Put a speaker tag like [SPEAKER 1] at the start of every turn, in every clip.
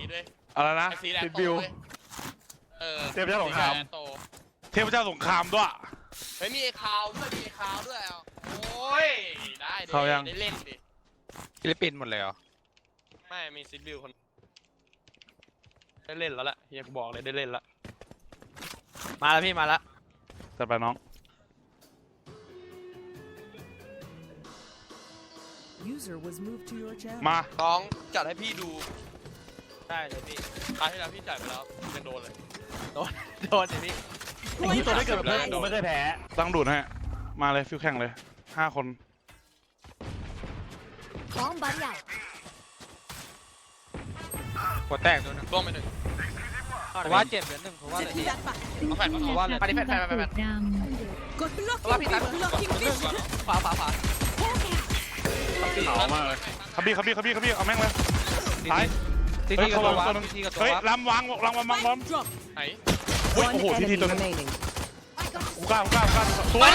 [SPEAKER 1] ด้วย
[SPEAKER 2] อะไรนะ
[SPEAKER 1] สีแดง
[SPEAKER 3] ติด
[SPEAKER 1] โต
[SPEAKER 3] วิว
[SPEAKER 1] เลย
[SPEAKER 3] เทพเจ้าสงคราม
[SPEAKER 1] สีแดโต
[SPEAKER 2] เทพเจ้าสงครามด้วย
[SPEAKER 1] เฮ้ยมีคาวด้วยมีคาวด้วยโอ้ยได้ดิ
[SPEAKER 2] เขายัง
[SPEAKER 1] ได้เล่นดิ
[SPEAKER 4] ฟิลิปปินส์หมดเลยเหรอ
[SPEAKER 1] ไม่มีซิดบิวคนได้เล่นแล้วแหละเฮียกูบอกเลยได้เล่นแล้วมาแล้วพี่มาแล้ว
[SPEAKER 2] จัดไปน้อง
[SPEAKER 5] User was moved to your channel.
[SPEAKER 2] มา
[SPEAKER 1] น้องจัดให้พี่ดูได้เลยพี่คราวที่แล้วพี่จ่ายไปแล้วยังโดนเลยโดนเลยพี่
[SPEAKER 3] ไอ้ที่ตัวได้เกิดแบบนี้กูไม่เคยแพ้
[SPEAKER 2] ตั้งดูดให้มาเลยฟิวแข่งเลย5 คน
[SPEAKER 5] Bomb buddy out.
[SPEAKER 4] หัวแตกตัวนึง
[SPEAKER 1] ร่วงไปหนึ่ง
[SPEAKER 4] ผมว่าเจ็บเหลือหนึ่งผมว่าเลย
[SPEAKER 5] Setting that back.
[SPEAKER 1] เอาแผ่นมาว่าเลยไปดิแผ่น
[SPEAKER 5] Got
[SPEAKER 1] ว่าพี่ตัด
[SPEAKER 5] blocking vision.
[SPEAKER 1] ขวา
[SPEAKER 3] เอามากเลย
[SPEAKER 2] ขับบี้เอาแม่งเลยตาย
[SPEAKER 4] ที
[SPEAKER 2] เฮ้ย
[SPEAKER 4] ทีกับ
[SPEAKER 2] เขา
[SPEAKER 4] ตัว
[SPEAKER 2] วาง
[SPEAKER 4] วั
[SPEAKER 2] ตัว
[SPEAKER 4] บ
[SPEAKER 2] นึง
[SPEAKER 4] ทีกับตัว
[SPEAKER 2] เฮ้ย
[SPEAKER 4] วับ
[SPEAKER 2] ลำวางล้อม
[SPEAKER 5] Drop.
[SPEAKER 1] ไหน
[SPEAKER 2] โอ้
[SPEAKER 5] One
[SPEAKER 2] โหที
[SPEAKER 5] enemy
[SPEAKER 2] ตัวนึง
[SPEAKER 5] remaining.
[SPEAKER 2] กูกล้าสวย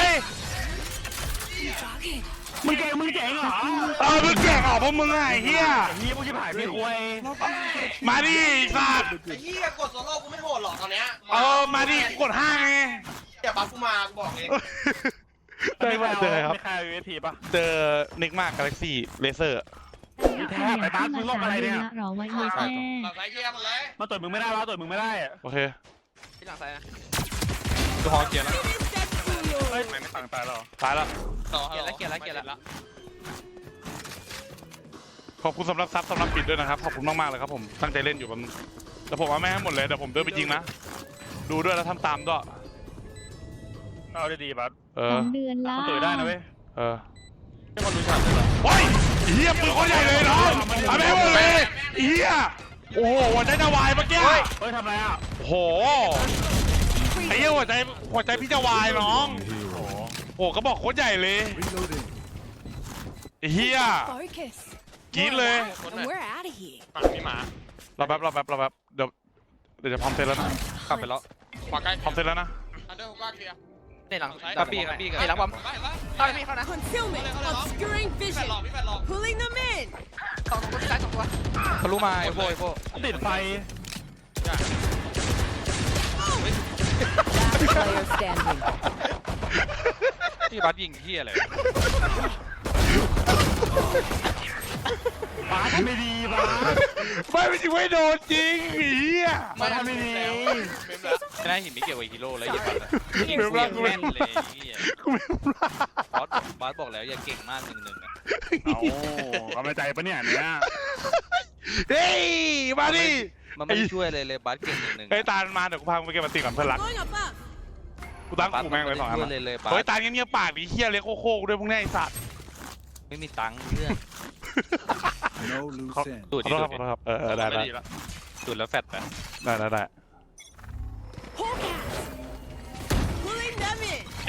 [SPEAKER 3] มึงเจ๋งเหรอ
[SPEAKER 2] มึงแก่งออกพวกมึงไงเฮีย
[SPEAKER 3] ไอ้เหี้ยพวกชิบหายมีควย
[SPEAKER 2] มาดิสัตว์
[SPEAKER 1] ไอ้เหี้ยกดโซโล่กูไม่โหดหรอกตอนเนี้ย
[SPEAKER 2] มาดิกด5ไง
[SPEAKER 1] อย่าบัฟกูมากูบอกเอง
[SPEAKER 2] ได้มาเจอครับ
[SPEAKER 3] ไม่ใครเอา USP ป่ะ
[SPEAKER 2] เจอนิกมากกาแล็กซี่เลเซอร์
[SPEAKER 3] แทบไปบ้านมึงโลกอะไรเนี่ย
[SPEAKER 6] รอไว้เลยแม่
[SPEAKER 1] หลังซ้ายเคลียร์หมดเลย
[SPEAKER 3] มาต่อยมึงไม่ได้วะต่อยมึงไม่ได้อะ
[SPEAKER 2] โอเค
[SPEAKER 1] ที่หลังซ้ายนะ
[SPEAKER 4] ตัวหอเกียร์แล้ว
[SPEAKER 3] เฮ้ยไม่ต่างตายหรอ
[SPEAKER 2] ตายแล้ว
[SPEAKER 1] ต่อเกียร์แล้ว
[SPEAKER 2] ขอบคุณสำหรับซับสำหรับปิดด้วยนะครับขอบคุณมากๆเลยครับผมตั้งใจเล่นอยู่แบบนึงแต่ผมเอาแม่ให้หมดเลยเดี๋ยวผมเดินไปยิงนะดูด้วยแล้วทำตามด้วย
[SPEAKER 3] เอาดีๆบัส
[SPEAKER 6] 2 เดือนละ
[SPEAKER 3] มันต่อยได้นะเว้ย
[SPEAKER 1] ไม่คนรู้จักเลยเหรอ
[SPEAKER 2] โอ้ยเฮียปืนคนใหญ่เลยน้องเอาแม่ให้หมดเลยเฮียโอ้โหหัวใจจะวายเมื่อกี้
[SPEAKER 3] เฮ้ยทำไรอ่ะ
[SPEAKER 2] โอ้โหไอ้เหี้ยหัวใจพี่จะวายน้อง
[SPEAKER 3] โอ้โห
[SPEAKER 2] โอ้ก็บอกโคตรใหญ่เลยไอ้เฮีย
[SPEAKER 5] Focus.
[SPEAKER 2] กรี๊ดเลย
[SPEAKER 1] คนไหน
[SPEAKER 5] And we're out of here.
[SPEAKER 1] มีหมา
[SPEAKER 2] เราแป๊บเดี๋ยวจะพร้อมเสร็จแล้วนะ
[SPEAKER 4] กลับไปแล้ว
[SPEAKER 1] ขวาใกล้
[SPEAKER 2] พร้อมเสร็จแล้วนะ
[SPEAKER 1] อันเดอร์ผมกล้าเคลียร์
[SPEAKER 4] ในหลังกระปี้กับ
[SPEAKER 1] ไอ้หลังบอมเข้าพี่เข้านะ
[SPEAKER 5] Concealment. Obscuring
[SPEAKER 1] แฟน
[SPEAKER 5] vision.
[SPEAKER 1] หลอกพี่แฟนหลอก
[SPEAKER 5] Pulling them in.
[SPEAKER 1] สองตัวที่ซ้าย2 ตัว
[SPEAKER 4] ทะลุมาไอโบ
[SPEAKER 3] ติดไฟ
[SPEAKER 5] Last player standing.
[SPEAKER 4] ที่บัสยิงเฮียอะไร
[SPEAKER 3] บัสไม่ดีบัส
[SPEAKER 2] ไม่จริงไม่โดนจริงไอ้เฮีย
[SPEAKER 3] บัสทำไม่ดี
[SPEAKER 1] เมมแล้ว
[SPEAKER 4] ไม่ได้หินไม่เกี่ยวกับฮีโร่แล้วอย่าบัสยิง
[SPEAKER 2] เดี๋ยว
[SPEAKER 4] เก่ง
[SPEAKER 2] กู
[SPEAKER 4] แม่นเลยเฮีย
[SPEAKER 2] กูไม่รู้ละ
[SPEAKER 4] บอสบอกแล้วอย่าเก่งมาก1-1อ่ะ
[SPEAKER 3] เอากำลังใจปะเนี่ยเนี่ย
[SPEAKER 2] เฮ้ยมาดิ
[SPEAKER 4] มันไม่ช่วยเลยบอสเก่ง1-1
[SPEAKER 2] ไอ้ตาลมาเดี๋ยวกูพามึงไปเก็บมันตีก่อนเพื่อนรัก
[SPEAKER 5] Going above.
[SPEAKER 2] กูตั้งกูแม่งเลย2 อัน
[SPEAKER 4] ช่วย
[SPEAKER 2] นะ
[SPEAKER 4] เลยบอ
[SPEAKER 2] เฮ้ย
[SPEAKER 4] ส
[SPEAKER 2] ตาลเงียบๆปากดิเฮียเล็กโคกด้วยพวกนี้ไอ้สัตว์
[SPEAKER 4] ไม่มีตังค์เพื่อน
[SPEAKER 7] No loose end.
[SPEAKER 4] ดูด
[SPEAKER 2] ขอ
[SPEAKER 4] ดิ
[SPEAKER 2] โทษครับขอโทษครับได้
[SPEAKER 1] ไม่ดีแล้ว
[SPEAKER 4] ดูดแล้วแฟดไป
[SPEAKER 2] ได้
[SPEAKER 5] Hawk out. Pulling them in.
[SPEAKER 1] เอง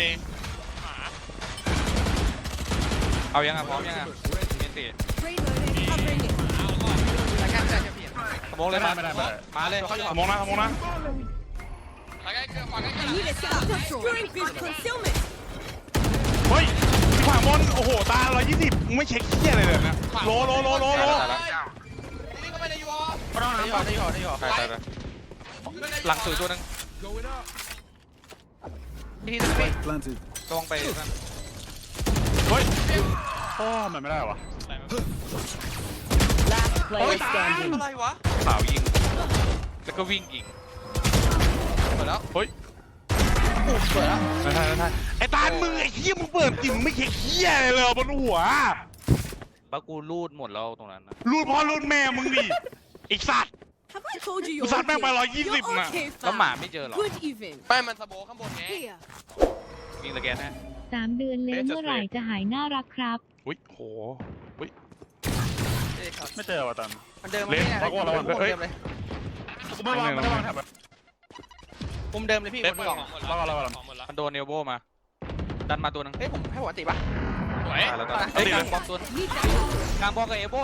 [SPEAKER 4] เอายังอ่ะพร้อมยังอ่ะเมนตี
[SPEAKER 5] Reloading. Covering it.
[SPEAKER 1] ซ้ายใกล้ใช่พี่
[SPEAKER 4] สมองเลยมาเลย
[SPEAKER 2] สมองนะ
[SPEAKER 1] ซ้ายใกล้ขวาใกล้
[SPEAKER 5] I need a stop. Obscuring vision. Concealment.
[SPEAKER 2] เฮ้ยที่ขวางบนโอ้โหตา120มึงไม่เช็คเฮียอะไรเลยนะโล
[SPEAKER 1] นี่ก็ไม่ได้ยูออ
[SPEAKER 4] ได้หยอไปหลังสุดตัวนึง
[SPEAKER 1] ที่จะพี่
[SPEAKER 7] Planted.
[SPEAKER 4] ต้องไปนั่น
[SPEAKER 2] เฮ้ย
[SPEAKER 3] โอ้มันไม่ได้วะ
[SPEAKER 5] Last player standing.
[SPEAKER 1] อะไรวะ
[SPEAKER 4] ขาวยิงแล้วก็วิ่งยิง
[SPEAKER 1] หมดแล้ว
[SPEAKER 2] เฮ้ย
[SPEAKER 1] เปิดแล้ว
[SPEAKER 2] ได้ไอ้ตาลมึงไอ้เฮียมึงเปิดจริงมึงไม่เช็คเฮียอะไรเลยบนหัว
[SPEAKER 4] ป้ากูรูดหมดแล้วตรงนั้นนะ
[SPEAKER 2] รุ่นพ่อรุ่นแม่มึงดิไอ้สัตว์
[SPEAKER 5] Have I told you
[SPEAKER 2] กู
[SPEAKER 5] you're
[SPEAKER 2] ซัดแม่งไป
[SPEAKER 5] okay?
[SPEAKER 2] 120
[SPEAKER 5] You're
[SPEAKER 2] น่ะ
[SPEAKER 5] okay,
[SPEAKER 4] แล้วหมา
[SPEAKER 5] fam.
[SPEAKER 4] ไม่เจอหรอ
[SPEAKER 5] Good even.
[SPEAKER 1] ไม่มันสโบข้างบนไง
[SPEAKER 5] Here.
[SPEAKER 4] วิ่งตะแกนฮะ
[SPEAKER 6] 3 เดือนแล้วเมื่อไหร่จะหายน่ารักครับ
[SPEAKER 2] อุ้ยโห
[SPEAKER 3] ไม่เจอวะตัน
[SPEAKER 1] มันเดิม
[SPEAKER 2] เล่น
[SPEAKER 3] เพราะว่าเรา
[SPEAKER 1] เดิมเลย
[SPEAKER 3] กูไม่วางแถบ
[SPEAKER 1] มุมเดิมเลยพี่บนกล่อง
[SPEAKER 4] มันโดนเนลโบมาดันมาตัวนึง
[SPEAKER 1] เฮ้ยผมให้หัวติป่ะสวย
[SPEAKER 4] แล้วก็เฮ้ยกลางบอลตัวกลางบอลกับเอโบ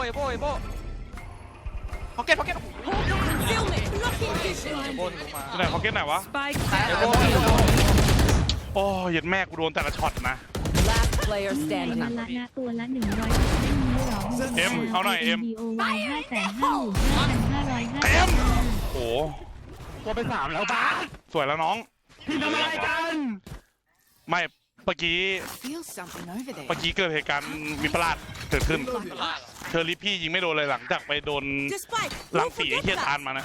[SPEAKER 1] พ็อกเก็ต
[SPEAKER 5] Concealment. Blocking
[SPEAKER 4] เอ
[SPEAKER 5] vision.
[SPEAKER 4] โบถึงมา
[SPEAKER 2] ที่ไหนพ็อกเก็ตไหนวะ
[SPEAKER 5] Spike
[SPEAKER 4] เอโบ
[SPEAKER 2] โอ้ยยัดแม่กูโดนแต่ละช็อตนะ
[SPEAKER 5] Last player
[SPEAKER 6] เดือน
[SPEAKER 5] standing.
[SPEAKER 6] ละนะตัวละ100ไม่มีหรอ
[SPEAKER 2] เอ็มเอาหน่อยเอ็ม
[SPEAKER 6] DOY 555,550
[SPEAKER 2] เต็มโอ้
[SPEAKER 3] ตัวไป3แล้วบ้าส
[SPEAKER 2] สวยแล้วน้อง
[SPEAKER 3] พี่ทำอะไรกัน
[SPEAKER 2] ไม่เมื่อกี้
[SPEAKER 5] Feel something over there.
[SPEAKER 2] เมื่อกี้เกิดเหตุการณ์วิปลาสเกิดขึ้น
[SPEAKER 1] พลาดเหรอ
[SPEAKER 2] เชอรี่พี่ยิงไม่โดนเลยหลังจากไปโดน
[SPEAKER 5] Despite,
[SPEAKER 2] ลัง
[SPEAKER 5] don't
[SPEAKER 2] สีไอ้
[SPEAKER 5] forget
[SPEAKER 2] เฮียทาน
[SPEAKER 5] that.
[SPEAKER 2] มานะ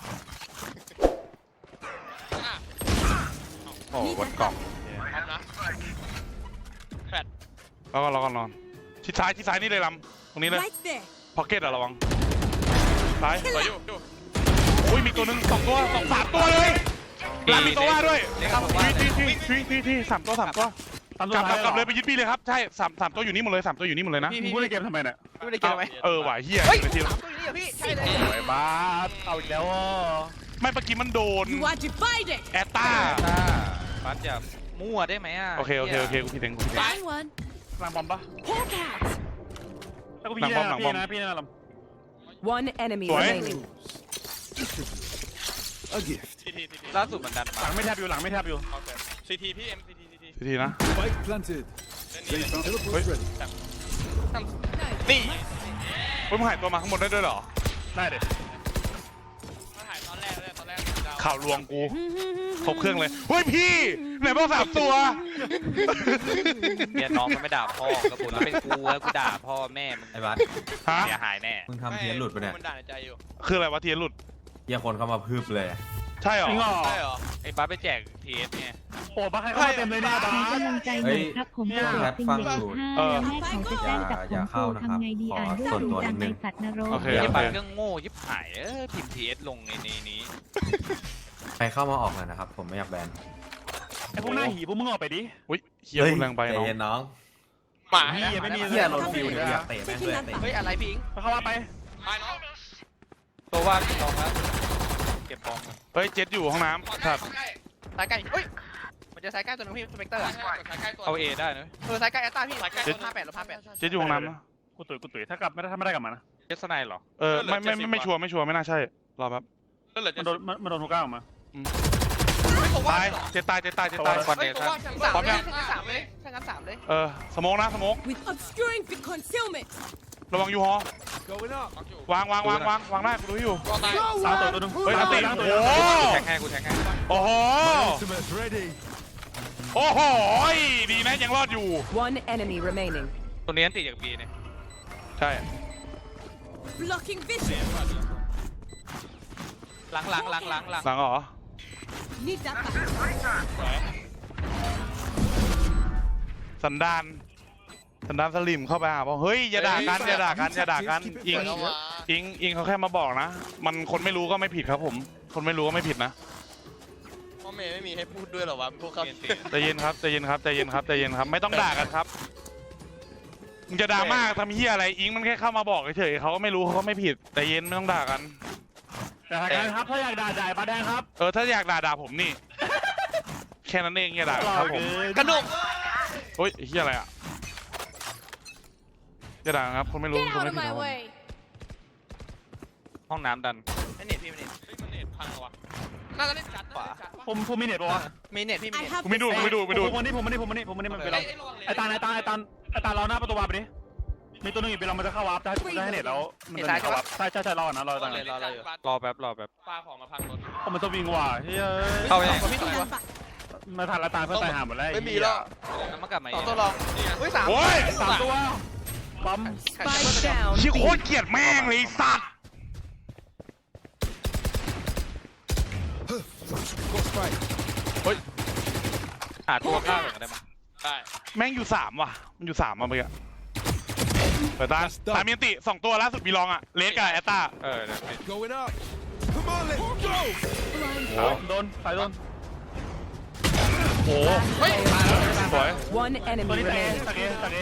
[SPEAKER 4] โอ้บนกล่อง
[SPEAKER 1] พร้อมนะแฟด
[SPEAKER 2] แล้วก็นอนชิดซ้ายนี่เลยลำตรงนี้เลย
[SPEAKER 5] Right there.
[SPEAKER 2] พ็อกเก็ตอะระวังซ้าย
[SPEAKER 1] ไปอยู่
[SPEAKER 2] อุ้ยมีตัวหนึ่ง2 ตัว3 ตัวเลยลำมีตัวว่าด้วย
[SPEAKER 4] นี่ครับผมว่า
[SPEAKER 2] ที่3 ตัว
[SPEAKER 3] ตาม
[SPEAKER 2] กลับเลย
[SPEAKER 3] ไป
[SPEAKER 2] ไปยึดพี่เลยครับใช่3 ตัวอยู่นี่หมดเลย3 ตัวอยู่นี่หมดเลยนะ
[SPEAKER 3] พี่พูดในเกมทำไมเนี่ย
[SPEAKER 4] ไม่ได้เกินไหม
[SPEAKER 2] เออว่ะเฮีย
[SPEAKER 4] เฮ้ย
[SPEAKER 2] นาที
[SPEAKER 4] 3 ตัวอยู่นี่เหรอพี่ใช่เลย
[SPEAKER 3] โอ้ยบ้าสเอาอีกแล้วอ่ะ
[SPEAKER 2] ไม่เมื่อกี้มันโดน
[SPEAKER 5] You are divided.
[SPEAKER 2] แอตตา
[SPEAKER 4] บัสอย่ามั่วได้ไหมอ่ะ
[SPEAKER 2] โอเคกูผิดเอง
[SPEAKER 5] Find one.
[SPEAKER 3] สร้างบอมปะ
[SPEAKER 5] Hawk out.
[SPEAKER 3] แล้วก็พี่
[SPEAKER 2] หลังบอม
[SPEAKER 3] พี่นะล
[SPEAKER 5] One enemy
[SPEAKER 2] What?
[SPEAKER 5] remaining.
[SPEAKER 7] A gift.
[SPEAKER 1] ที
[SPEAKER 4] ล่าสุดมันดัน
[SPEAKER 3] ำห
[SPEAKER 4] มา
[SPEAKER 3] ลังไม่แทบอยู่หลังไม่แทบอยู่
[SPEAKER 1] โอเคซีทีพี่เอ็มซีที
[SPEAKER 2] ทีนะ
[SPEAKER 7] Spike planted.
[SPEAKER 1] เล่นนี่
[SPEAKER 7] Teleport's ready.
[SPEAKER 1] นี่
[SPEAKER 2] เฮ้ยมึงหายตัวมาข้างบนได้ด้วยเหรอ
[SPEAKER 3] ได้เด็ด
[SPEAKER 1] มาถ่ายตอนแรกเลยตอนแรก
[SPEAKER 2] ข่าวลวงกูครบเครื่องเลยเฮ้ยพี่ไหนบอก3 ตัว
[SPEAKER 4] เนี่ยน้องมันไม่ด่าพ่อกระปุกแล้วเป็นกูแล้วกูด่าพ่อแม่มึง
[SPEAKER 8] ไอ้บัส
[SPEAKER 2] ฮะ
[SPEAKER 4] เสียหายแน่
[SPEAKER 8] มึงทำเทียนหลุดไปะเนี่ย
[SPEAKER 1] มันด่าในใจอยู่
[SPEAKER 2] คืออะไรวะเทียนหลุด
[SPEAKER 8] เหี้ยคนเข้ามาพึบเลย
[SPEAKER 2] ใช่เหรอ
[SPEAKER 3] จริงเหรอ
[SPEAKER 1] ใช่เหรอ
[SPEAKER 4] ไอ้บัสไปแจกทีเอสไง
[SPEAKER 3] โอ้บ้าใครเข้ามาเต็มเลยเนี่ยบ้า
[SPEAKER 6] ขอ
[SPEAKER 3] ส
[SPEAKER 6] กำลังใจหน่อยครับผมกดซิงเกิล5แล้วแม่เขาจะแจ้งจับผมครูทำไงดีอ่านด้วยดูจังในสัตว์นรก
[SPEAKER 2] โอเค
[SPEAKER 4] ไอ้
[SPEAKER 2] โอ
[SPEAKER 4] บั
[SPEAKER 2] เค
[SPEAKER 4] สเครื่องโง่ยิบหายพิมพ์ทีเอสลงในนี้
[SPEAKER 8] ใครเข้ามาออกหน่อยนะครับ ผมไม่อยากแบน
[SPEAKER 3] ไอ้พวกหน้าหีพวกมึงออกไปดิ
[SPEAKER 2] อุ้ยเฮียคุณแรงไป
[SPEAKER 8] ใจ
[SPEAKER 2] เนาะ
[SPEAKER 8] เย็นน้อง
[SPEAKER 1] หมา
[SPEAKER 3] เฮียไม่มี
[SPEAKER 8] เฮียโดนฟิวเนี่ยอยากเตะแม่งด้วยเตะ
[SPEAKER 4] เฮ้ยอะไรพี่อิง
[SPEAKER 3] เข้ามาไป
[SPEAKER 1] ไปน้อง
[SPEAKER 4] ตัวว่าพี่ตองแล้วเก็บบอม
[SPEAKER 2] เฮ้ยเจ็ดอยู่ห้องน้ำครับ
[SPEAKER 4] สายใกล้เฮ้ยมันจะสายใกล้ตัวนึงพี่สเปกเตอร์เอาเอได้นะสายใกล้แอตตาพี่สายใกล้58
[SPEAKER 2] เจ็ดอยู่ห้องน้ำนะ
[SPEAKER 3] กูตุ๋ยถ้ากลับไม่ได้กลับมานะ
[SPEAKER 4] เจสไนเหรอ
[SPEAKER 2] ไม่ชัวร์ไม่น่าใช่รอแป๊บ
[SPEAKER 1] ก็เหลือ
[SPEAKER 3] มันโดนทุกก้าวออกมา
[SPEAKER 2] ตายเจ็ดตาย
[SPEAKER 4] คอนเดชั่น
[SPEAKER 2] พร้อมยัง
[SPEAKER 4] 3เลยถ้างั้น3เลย
[SPEAKER 2] สโมกนะสโมก
[SPEAKER 5] With obscuring the concealment.
[SPEAKER 2] ระวังยูฮอ
[SPEAKER 7] Going up.
[SPEAKER 2] วางได้กูรู้อยู่
[SPEAKER 1] ก็ตาย
[SPEAKER 3] สามตัวนึง
[SPEAKER 2] เฮ้ยอันติ
[SPEAKER 3] ตัว
[SPEAKER 2] โอ้
[SPEAKER 4] แทงให้กูแทงให้
[SPEAKER 2] โอ้โห
[SPEAKER 7] Ultimate's ready.
[SPEAKER 2] โอ้โหดีนะยังรอดอยู่
[SPEAKER 5] One enemy remaining.
[SPEAKER 4] ตัวนี้อันติจากบีเนี่ย
[SPEAKER 2] ใช่
[SPEAKER 5] Blocking vision.
[SPEAKER 4] หลัง
[SPEAKER 2] หลังเหรอ
[SPEAKER 5] Need that back.
[SPEAKER 2] สันดานสลิมเข้าไปหาบอกเฮ้ยอย่าด่ากันอิงเขาแค่มาบอกนะมันคนไม่รู้ก็ไม่ผิดครับผมคนไม่รู้ก็ไม่ผิดนะ
[SPEAKER 1] พ่อเมย์ไม่มีให้พูดด้วยหรอวะพวกเขา
[SPEAKER 2] ใจเย็นครับไม่ต้องด่ากันครับมึงจะด่ามากทำเหี้ยอะไรอิงมันแค่เข้ามาบอกเฉยๆเขาก็ไม่รู้เขาก็ไม่ผิดใจเย็นไม่ต้องด่ากัน
[SPEAKER 3] แต่ทางการครับถ้าอยากด่าจ่ายปลาแดงครับ
[SPEAKER 2] ถ้าอยากด่าผมนี่ แค่นั้นเองอย่าด่าครับผม
[SPEAKER 1] กระหนก
[SPEAKER 2] เฮ้ยเหี้ยอะไรอ่ะอย่าด่าครับคนไม่รู้
[SPEAKER 5] Get
[SPEAKER 2] คน
[SPEAKER 5] out
[SPEAKER 2] ไม่
[SPEAKER 5] of
[SPEAKER 2] ผิด
[SPEAKER 5] my
[SPEAKER 2] ครับ
[SPEAKER 5] way.
[SPEAKER 4] ห้องน้ำดัน
[SPEAKER 1] เน็ตพี่เน็ตพังวะน่าจะเล่นจัด
[SPEAKER 3] ผมมีเน็ตปะวะ
[SPEAKER 4] มีเน็ตพี่มี
[SPEAKER 5] I
[SPEAKER 4] เน็ต
[SPEAKER 5] have
[SPEAKER 2] กูไม่ดู
[SPEAKER 3] ผมมันไปลองไอตาเราหน้าประตูวาร์ปดิมีตัวนึงอีกไปลองมันจะเข้าวาร์ปได้ให้เน็ตแล้วมันจะเข้าวาร์ปใช่รอนะรอตา
[SPEAKER 4] รอแป๊บ
[SPEAKER 1] ปลาของมาพังรถ
[SPEAKER 3] ผมมันจะวิ่งว่ะเฮ้ย
[SPEAKER 4] เข้าไปไหน
[SPEAKER 5] Stand back.
[SPEAKER 3] มาทันละตาเพื่อนตายหาหมดแล้ว
[SPEAKER 1] ไม่มีแล้ว
[SPEAKER 4] น้ำมันกลับมา
[SPEAKER 1] สองตัวลองเฮ้ย3
[SPEAKER 2] โอ้ย
[SPEAKER 3] 3 ตัวปั๊ม
[SPEAKER 5] Spike down.
[SPEAKER 2] ชี้โคตรเกลียดแม่งเลยไอ้สัตว์
[SPEAKER 7] Got spike.
[SPEAKER 4] หาตัวข้าวอย่างได้ไหม
[SPEAKER 1] ได้
[SPEAKER 2] แม่งอยู่3ว่ะมันอยู่3มาเมื่อกี้เปิดตามีอันติ2 ตัวล่าสุดมีลองอ่ะเลสกับแอตตา
[SPEAKER 7] Going up. Come on, let's go.
[SPEAKER 3] โดนใครโดน
[SPEAKER 2] โอ้สวย
[SPEAKER 5] One
[SPEAKER 3] ตัว
[SPEAKER 5] enemy
[SPEAKER 3] นี้ตะเก
[SPEAKER 5] remaining.
[SPEAKER 3] ตะเก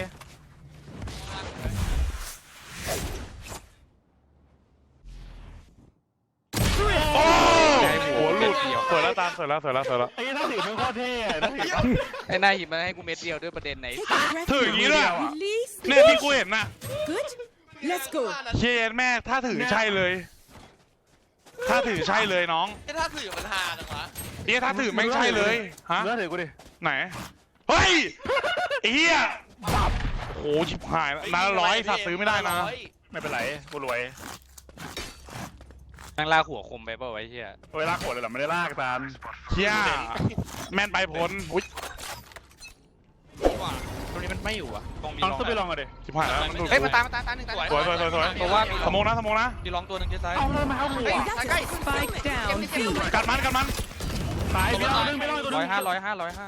[SPEAKER 2] โอ้หัวหลุดสวยแล้วตามสวยแล้ว
[SPEAKER 3] ไอ้ท่าถือมันโคตรเท่ท่าถือ
[SPEAKER 4] ไอ้นายหยิบมาให้กูเม็ดเดียวด้วยประเด็นไหน
[SPEAKER 5] Take a breath.
[SPEAKER 2] ถืออย่างนี้ด้วย
[SPEAKER 5] Release.
[SPEAKER 2] เนี่ยที่กูเห็นน่ะ
[SPEAKER 5] Good. Let's go.
[SPEAKER 2] เชียร์แม่ถ้าถือใช่เลยถ้าถือใช่เลยน้อง
[SPEAKER 1] ถ้าถือมันฮาจังวะ
[SPEAKER 2] ถ้าถือไม่ใช่เลยฮะ
[SPEAKER 3] เนื้อถือกูดิ
[SPEAKER 2] ไหนเฮ้ยไอ้เหี้ยโอ้ชิบหายนัดละ100สัตว์ซื้อไม่ได้นะ
[SPEAKER 3] ไม่เป็นไรกูรวย
[SPEAKER 1] นั่งลากหัวคมไปเปล่าไว้เฮีย
[SPEAKER 3] เวลากโหดเลยเหรอไม่ได้ลากตาม
[SPEAKER 2] เฮียแม่นไปผลอุ้ย
[SPEAKER 4] ตรงนี้มันไม่อยู่อ่ะ
[SPEAKER 1] ตรงมี
[SPEAKER 3] ต้อง
[SPEAKER 1] ลอง
[SPEAKER 3] สู้ไปลองกันดิ
[SPEAKER 2] ชิบหายแล้วมันดูด
[SPEAKER 4] เฮ้ยมาตามหนึ่งตาม
[SPEAKER 2] สวยเพราะว่าสมองนะสมองนะ
[SPEAKER 1] มีลองตัวหนึ่งที่ซ้าย
[SPEAKER 3] เอาเลยมาเอาหัว
[SPEAKER 4] ใกล้
[SPEAKER 5] Spike down B.
[SPEAKER 2] กัดมัน
[SPEAKER 3] ตายไปลองนึงไปลองตัวนึง
[SPEAKER 1] 105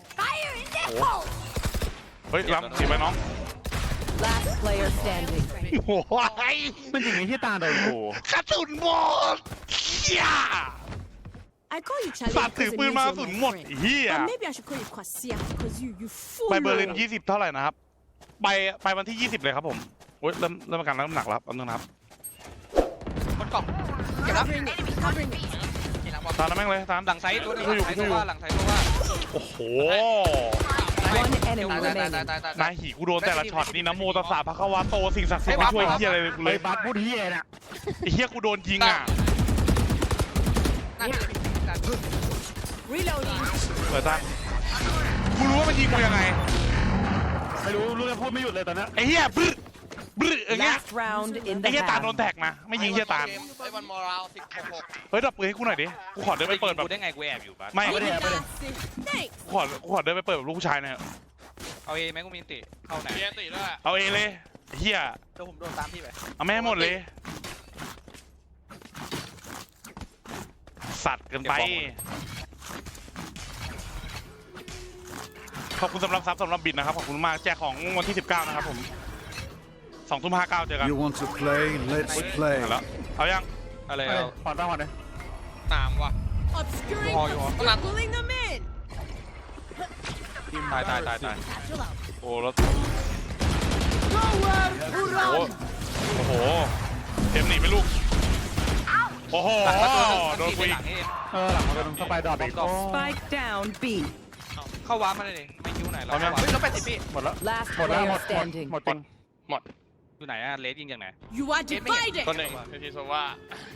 [SPEAKER 2] เฮ้ยล้ำสิไปน้อง
[SPEAKER 5] Last player standing.
[SPEAKER 2] โอ้ย
[SPEAKER 3] มันจริงไอ้ที่ตาโดนกู
[SPEAKER 2] กระสุนหมดเฮีย
[SPEAKER 5] I call you
[SPEAKER 2] สัต
[SPEAKER 5] challenge
[SPEAKER 2] ว์ถือ
[SPEAKER 5] because it
[SPEAKER 2] ปืน
[SPEAKER 5] means
[SPEAKER 2] มาก
[SPEAKER 5] you're
[SPEAKER 2] ระสุน
[SPEAKER 5] my
[SPEAKER 2] หมด
[SPEAKER 5] friend.
[SPEAKER 2] เฮีย
[SPEAKER 5] But maybe I should call you Kwasia because you fool.
[SPEAKER 2] ไปเบอร์ลิน20เท่าไหร่นะครับไปวันที่20เลยครับผมโอ๊ยเริ่มอาการน้ำหนักแล้วแป๊บนึงนะครับ
[SPEAKER 4] บนกล่องเก็บแล้ว
[SPEAKER 5] Covering it. Covering it.
[SPEAKER 4] เห็นแล้วบอล
[SPEAKER 2] ตามนั้นแม่งเลยตาม
[SPEAKER 1] หลังไซต์ตัวนึงหลังไซต์ตัวว่าหลังไซต์ตัวว่า
[SPEAKER 2] โอ้โห
[SPEAKER 5] One enemy
[SPEAKER 4] ตาย
[SPEAKER 5] remaining.
[SPEAKER 2] นายหีกูโดนแต่ละช็อตนี่นะโมตัสสะพระคะวะโตสิ่งศักดิ์สิทธิ์ไม่ช่วยเฮียอะไรเลยกู
[SPEAKER 3] เล
[SPEAKER 2] เลย ย
[SPEAKER 3] บัสพูดเฮียเนี่ย
[SPEAKER 2] ไอ้เฮียกูโดนยิงอ่ะ
[SPEAKER 4] หน้าที่เลยพี่
[SPEAKER 5] Reloading.
[SPEAKER 2] เปิดตามกูรู้ว่ามันยิงกูยังไง
[SPEAKER 3] ไม่รู้เรื่องพูดไม่หยุดเลยตอนนี้
[SPEAKER 2] ไอ้เฮียบึ้อย่างเงี้ย
[SPEAKER 5] Last round in
[SPEAKER 2] ไอ้
[SPEAKER 5] the
[SPEAKER 2] เฮียตาลโดน
[SPEAKER 5] half.
[SPEAKER 2] แท็กนะไม่ยิงเฮียตาล
[SPEAKER 4] ไอ้บอลมอรัล16
[SPEAKER 2] เฮ้ยดับปืนให้กูหน่อยดิกูขอเดินไปเปิดแบบ
[SPEAKER 1] กูได้ไงกูแอบอยู่บ้าน
[SPEAKER 2] ไม่
[SPEAKER 3] ไม่ได้ไม่ได้
[SPEAKER 5] Thanks.
[SPEAKER 2] กูขอเดินไปเปิดแบบลูกผู้ชายหน่อย
[SPEAKER 1] เอาเอไหมกูมีติเข้าไหนมีติด้วย
[SPEAKER 2] เอาเองเลยเฮีย
[SPEAKER 4] เดี๋ยวผมโดนตามพี่ไป
[SPEAKER 2] เอาแม่ให้หมดเลย สัตว์เกินไป ขอบคุณสำหรับซับสำหรับบิดนะครับ ขอบคุณมากแจกของวันที่ 19 นะครับผม20:59เจอกัน
[SPEAKER 7] You want to play? Let's play.
[SPEAKER 2] แล้วเอายัง
[SPEAKER 1] อะไร
[SPEAKER 3] เฮ้ย
[SPEAKER 1] เอา
[SPEAKER 3] ขอตั้งก่อนเลย
[SPEAKER 1] หนามว่ะ
[SPEAKER 5] Obscuring.
[SPEAKER 1] Oh, you are.
[SPEAKER 5] You're pulling them in.
[SPEAKER 1] ตาย
[SPEAKER 5] Satchel out.
[SPEAKER 2] โอ้แล้ว
[SPEAKER 5] Nowhere to
[SPEAKER 2] โอ้
[SPEAKER 5] run.
[SPEAKER 2] โอ้โหเต็มหนีไปลูก โอ้โห
[SPEAKER 1] หลังมาตัวนึง
[SPEAKER 2] โดนกู
[SPEAKER 1] ห
[SPEAKER 2] อีก
[SPEAKER 1] ลังเอง
[SPEAKER 3] หลังมาโดนสไปดอบอีก
[SPEAKER 5] Spike down B.
[SPEAKER 1] เข้าวาร์ปมาเลยดิไม่คิวไหนเรา
[SPEAKER 2] เอายัง
[SPEAKER 4] เฮ้ยลบ80พี่
[SPEAKER 3] หมดแล้ว
[SPEAKER 5] Last
[SPEAKER 3] หมดแล้วหม
[SPEAKER 5] player
[SPEAKER 3] ด
[SPEAKER 5] standing.
[SPEAKER 3] หมดจริง
[SPEAKER 1] อยู่ไหนอะเลสยิงจากไหน
[SPEAKER 5] You are divided.
[SPEAKER 1] ตัวหนึ่งทีโซว่า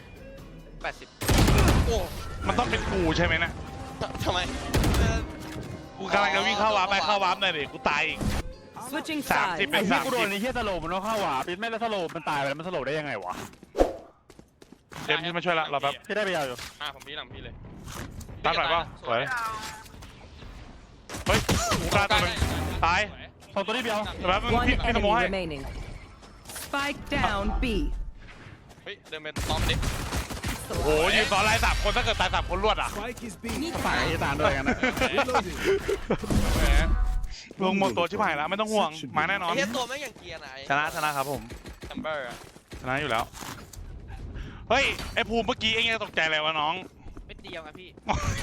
[SPEAKER 4] 80โอ้
[SPEAKER 2] มันต้องเป็นกูใช่ไหมนะ
[SPEAKER 4] ทำไม
[SPEAKER 2] กูกำลังจะวิ่งเข้าวาร์ปไปเข้าวาร์ปหน่อยดิกูตายอีก
[SPEAKER 5] Switching
[SPEAKER 2] 30
[SPEAKER 5] sides.
[SPEAKER 2] เป็
[SPEAKER 3] ไอ้
[SPEAKER 2] น
[SPEAKER 3] ที่กูโดนไอ้เฮียสโลมันต้องเข้าหวาปิดไม่แล้วสโลมันตายไปแล้วมันสโลได้ยังไงวะ
[SPEAKER 2] เจมส์ที่มาช่วยละรอแป๊บ
[SPEAKER 3] ที่ได้ไปยาวอยู่
[SPEAKER 1] ผมพี่หลังพี่เลย
[SPEAKER 2] ตามหน่อยเปล่าสวยเฮ้ยกูกล้าตัวหนึงตาย
[SPEAKER 3] สองตัวนี้เดียว
[SPEAKER 2] แต่แป๊บนึง
[SPEAKER 5] One
[SPEAKER 2] พี่สโม
[SPEAKER 5] enemy
[SPEAKER 2] ให้
[SPEAKER 5] remaining. Spike down B.
[SPEAKER 1] เฮ้ยเดินไปต้อมดิ
[SPEAKER 2] โอ้โหยืนต่อไล่3 คนถ้าเกิดตาย3 คนรวดอ่ะ
[SPEAKER 7] Spike is B.
[SPEAKER 3] ฝ่ายไอ้ตาลด้วยกันนะ
[SPEAKER 7] Reloading.
[SPEAKER 2] ลงหมดตัวชิบหายแล้วไม่ต้องห่วงมาแน่นอน
[SPEAKER 4] ไอ้เฮียตัวไม่อย่างเกียร์ไหน
[SPEAKER 2] ชนะครับผม
[SPEAKER 1] แชมเบอร์
[SPEAKER 2] ชนะอยู่แล้วเฮ้ยไอ้ภูมิเมื่อกี้เองยังตกใจอะไรวะน้อง
[SPEAKER 4] ไม่เดียวไงพี่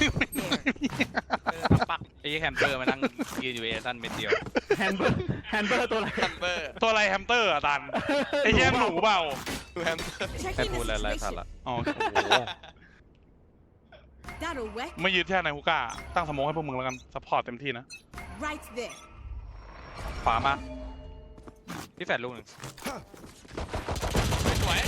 [SPEAKER 1] ปักไอ้แฮมเตอร์มานั่งยืนอยู่เอซันเม็ดเดียว
[SPEAKER 3] แฮนเบอร์ตัวอะไร
[SPEAKER 1] แฮมเบอร์
[SPEAKER 2] ตัวอะไรแฮมสเตอร์อะตันไอ้เหี้ยหนูเปล่า
[SPEAKER 1] ดูแฮมเตอร์
[SPEAKER 5] Checking the situation.
[SPEAKER 2] อ๋อโอ้โห
[SPEAKER 5] That'll work
[SPEAKER 2] ไม่ยืดแค่ในฮุก้าตั้งสโมองให้พวกมึงแล้วกันซัพพอร์ตเต็มที่นะ
[SPEAKER 5] right there.
[SPEAKER 2] ขวามา
[SPEAKER 1] พี่แฟดลูกหนึ่งสวย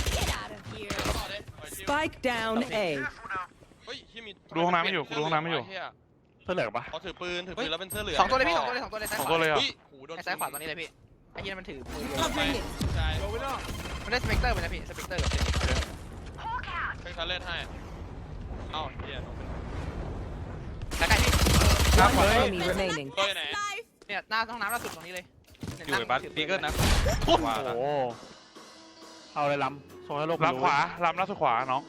[SPEAKER 5] Spike down A.
[SPEAKER 1] เฮ้ยที่มี
[SPEAKER 2] ดูห้องน้ำไม่อยู่กูดูห้องน้ำไม่อยู่
[SPEAKER 3] เสื้อเหลืองปะ
[SPEAKER 1] เขาถือปืนแล้วเป็นเสื้อเหลือง
[SPEAKER 4] 2ตัวเลยพี่2ตัวเลย2ตัวเลยซ้าย
[SPEAKER 2] สอง
[SPEAKER 4] ข
[SPEAKER 2] ตัว
[SPEAKER 4] วา
[SPEAKER 2] เลยเหรอ่ะ
[SPEAKER 1] หูโดน
[SPEAKER 4] ซ้ายขวาตรงนี้เลยพี่ไอ้เฮียมันถือปืน
[SPEAKER 5] Covering it.
[SPEAKER 1] ใช่
[SPEAKER 7] Going up.
[SPEAKER 4] มันได้สเปกเตอร์ไปนะพี่สเปกเตอร์กับเซน
[SPEAKER 1] เป็นคันเล่นให้เอ้าเฮีย
[SPEAKER 4] ใกล้ๆพี่
[SPEAKER 5] One enemy remaining.
[SPEAKER 1] ตัวไหน
[SPEAKER 4] เนี่ยหน้าห้องน้ำล่าสุดตรงนี้เลย
[SPEAKER 1] อยู่ในบัสดีเกิลนะ
[SPEAKER 3] โอ้โหเอาเลยล้ำโซ่ให้โลก
[SPEAKER 2] ลำขวาลำล่าสุดขวาน้อง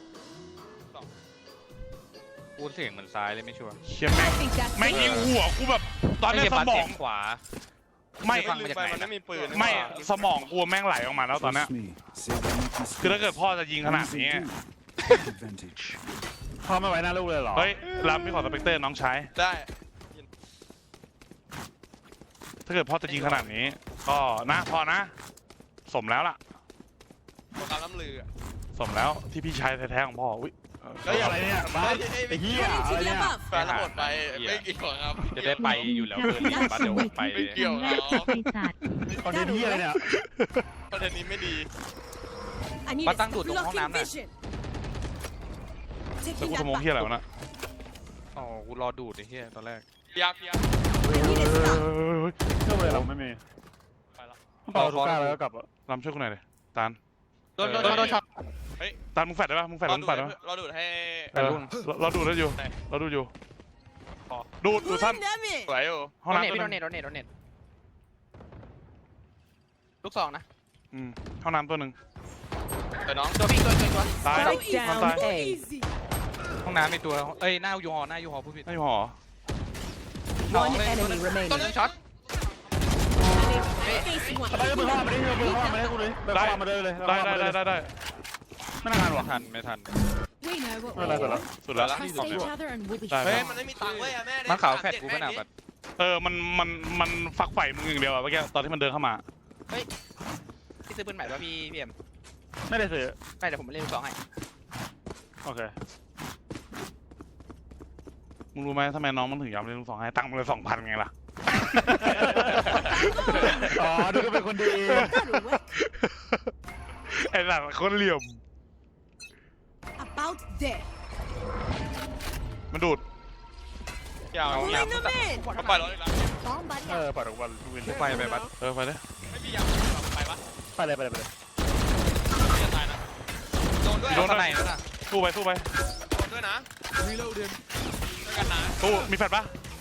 [SPEAKER 1] กูเสียงเหมือนซ้ายเลยไม่ชัวร์
[SPEAKER 2] เชี่ยแม่ง
[SPEAKER 5] I think that's
[SPEAKER 2] แม่งยิง
[SPEAKER 5] it.
[SPEAKER 2] หัวกูแบบตอนนี้สมอง
[SPEAKER 1] ขวา
[SPEAKER 2] ไม่
[SPEAKER 1] ฟังมาจากไหนมันไม่มีปืน
[SPEAKER 2] ไม่สมองกูแม่งไหลออกมาแล้วตอนเนี้ย
[SPEAKER 7] Trust me. Say they make mistakes.
[SPEAKER 2] คือถ้าเกิดพ่อจะยิงขนาดนี้
[SPEAKER 7] Take advantage.
[SPEAKER 3] พ่อไม่ไว้หน้าลูกเลยเหรอ
[SPEAKER 2] เฮ้ยลำพี่ขอสเปกเตอร์น้องชาย
[SPEAKER 1] ได้
[SPEAKER 2] ถ้าเกิดพ่อจะยิงขนาดนี้ ก็นะพอนะ สมแล้วล่ะ
[SPEAKER 1] ตัวการล้ำลือ
[SPEAKER 2] สมแล้วที่พี่ชายแท้ๆของพ่ออุ้ย
[SPEAKER 3] เฮ้ยอะไรเนี่ยบ้าไอ้เหี้ย
[SPEAKER 5] Heading
[SPEAKER 3] อะ
[SPEAKER 5] to
[SPEAKER 3] ไร
[SPEAKER 5] the
[SPEAKER 3] เนี่ย
[SPEAKER 5] above.
[SPEAKER 1] แฟนทั้งหมดไปไม่เกี่ยวครับ
[SPEAKER 2] จะได้ไปอยู่แล้วเกินนี้บัสเดี๋ยวไป
[SPEAKER 1] ไม่เกี่ยว
[SPEAKER 6] แรกไอ้สัตว์
[SPEAKER 3] คอนเทนต์เหี้ยอะไรเนี่ย
[SPEAKER 1] ประเด็นนี้ไม่ดี
[SPEAKER 5] I need
[SPEAKER 1] มา
[SPEAKER 5] a
[SPEAKER 1] ตั้งดูดตรงห้องน้ำ
[SPEAKER 5] blocking
[SPEAKER 1] น่ะ
[SPEAKER 5] vision.
[SPEAKER 2] แต่
[SPEAKER 5] Taking
[SPEAKER 2] กู
[SPEAKER 5] that
[SPEAKER 2] สมอง
[SPEAKER 5] back.
[SPEAKER 2] ที่อะไรวะนะ
[SPEAKER 1] อ๋อกูรอดูดไอ้เหี้ยตอนแรกเพีย
[SPEAKER 5] I need a stop.
[SPEAKER 3] เชื่อเลยเราไม่มี
[SPEAKER 1] ไปแล้ว
[SPEAKER 3] เปล่าทุกก้าแล้วก็กลับอ่ะ
[SPEAKER 2] ลำช่วยกูหน่อยเลยตาล
[SPEAKER 4] โดนช็อต
[SPEAKER 1] ไป
[SPEAKER 2] ตามมึงแฟดได้ปะมึงแฟดแล้วมึงแฟดได้ปะ
[SPEAKER 1] เราดูดให้
[SPEAKER 2] เราดูดได้อยู่เราดูดอยู่ดูสั้น
[SPEAKER 1] สวยอยู่
[SPEAKER 2] ห้อง
[SPEAKER 4] โด
[SPEAKER 2] น้ำ
[SPEAKER 4] เนท
[SPEAKER 2] ตัว
[SPEAKER 4] พี่
[SPEAKER 2] ห
[SPEAKER 4] โด
[SPEAKER 2] นึง
[SPEAKER 4] เนทลูกสองนะ
[SPEAKER 2] ห้องน้ำตัวหนึ่ง
[SPEAKER 1] เดี๋ยวน้อง
[SPEAKER 4] ตัวพี่ตัว
[SPEAKER 2] ตาย
[SPEAKER 5] Spike
[SPEAKER 2] ห้อง
[SPEAKER 5] down
[SPEAKER 2] ตาย
[SPEAKER 5] A.
[SPEAKER 9] ห้องน้ำมีตัวเอ้ยหน้ายูฮอพูดผิด
[SPEAKER 2] ไม่หอ
[SPEAKER 5] One enemy
[SPEAKER 4] ตัว
[SPEAKER 5] remaining.
[SPEAKER 4] นึงช็อต
[SPEAKER 3] ไปมือเข้ามาดิมือเข้ามาดิกูเลยไปเข้ามาเลยเลย
[SPEAKER 2] ได้
[SPEAKER 3] ไม่น่าทันว่ะ
[SPEAKER 9] ไม่ทัน
[SPEAKER 6] We know what
[SPEAKER 3] ไม่เป็นไร
[SPEAKER 2] สุดแล้ว
[SPEAKER 6] Trust each other and we'll be
[SPEAKER 2] ได้
[SPEAKER 1] เฮ้ยมันไม่มีตังค์เว้ยแม่
[SPEAKER 9] มันขาวแฟดกูขนาดแบบ
[SPEAKER 2] มันฝักใฝ่มึงอย่างเดียวอะเมื่อกี้ตอนที่มันเดินเข้ามา
[SPEAKER 4] พี่ซื้อปืนใหม่ป่ะพี่เอ็ม
[SPEAKER 3] ไม่ได้ซื้อ
[SPEAKER 4] ไม่เดี๋ยวผมเล่นลูกสองให้
[SPEAKER 3] โอเค
[SPEAKER 2] มึงรู้ไหมทำไมน้องมันถึงยอมเล่นลูกสองให้ตังค์มันเลย2,000ไงล่ะ
[SPEAKER 3] อ๋อดูก็เป็นคนดี
[SPEAKER 2] ไอ้หลังคนเหลี่ยม
[SPEAKER 5] About there.
[SPEAKER 2] มันดูด
[SPEAKER 1] ยาว
[SPEAKER 5] Bring them in.
[SPEAKER 1] ก็ปล่อยรถอีกแล้ว
[SPEAKER 6] bomb buddy
[SPEAKER 3] ปล่อยทุกวันวิน
[SPEAKER 9] ไปบัส
[SPEAKER 2] ไปเลย
[SPEAKER 1] ไม่มียาวไปปะ
[SPEAKER 3] ไปเลย
[SPEAKER 1] ไม่จะตายนะโดนด้วย
[SPEAKER 2] โดน
[SPEAKER 9] ข้างในนั่นน่ะ
[SPEAKER 2] สู้ไป
[SPEAKER 1] โดนด้วยนะด้วยกันนะ
[SPEAKER 2] สู้มีแฟดปะ